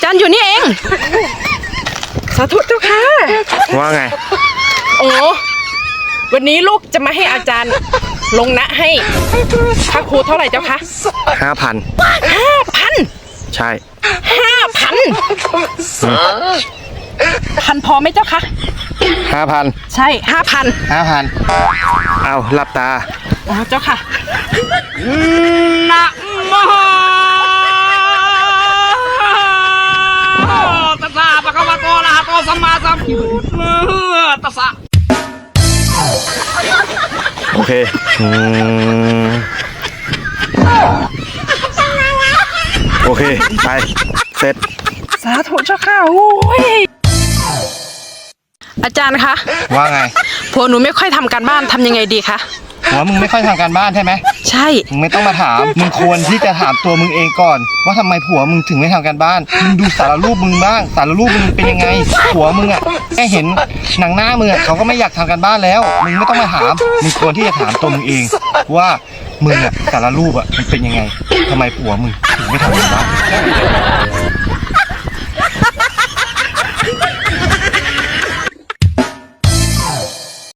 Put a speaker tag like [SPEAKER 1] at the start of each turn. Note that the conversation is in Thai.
[SPEAKER 1] ารย์อยู่นี่เองสาธุเจ้าค่ะ
[SPEAKER 2] ว่าไง
[SPEAKER 1] โอ้วันนี้ลูกจะมาให้อาจารย์ลงนะให้ค่าครูเท่าไหร่เจ้าคะ
[SPEAKER 2] 5,000ใช่
[SPEAKER 1] พันพอไหมเจ้าคะ
[SPEAKER 2] 5,000
[SPEAKER 1] ใช่5,000
[SPEAKER 2] เอาหลับตา
[SPEAKER 1] อ๋อเจ้าค่ะ
[SPEAKER 3] นะโมตัสสะภะคะวะโตอะระหะโตสัมมาสัมพุทธัสสะ
[SPEAKER 2] โอเคโอเคไปเสร็จ
[SPEAKER 1] สาธุเจ้าค่ะโอ้ยอาจารย์คะ
[SPEAKER 2] ว่าไง
[SPEAKER 1] ผัวหนูไม่ค่อยทำการบ้านทำยังไงดีคะ
[SPEAKER 2] ผัวมึงไม่ค่อยทำการบ้านใช่ไหม
[SPEAKER 1] ใช่
[SPEAKER 2] มึงไม่ต้องมาถามมึงควรที่จะถามตัวมึงเองก่อนว่าทำไมผัวมึงถึงไม่ทำการบ้านมึงดูสารรูปมึงบ้างสารรูปมึงเป็นยังไงผัวมึงอ่ะแค่เห็นหนังหน้ามึงเขาก็ไม่อยากทำการบ้านแล้วมึงไม่ต้องมาถามมึงควรที่จะถามตัวมึงเองว่ามึงอ่ะสารรูปอ่ะมันเป็นยังไงทำไมผัวมึงถึงไม่ทำการบ้าน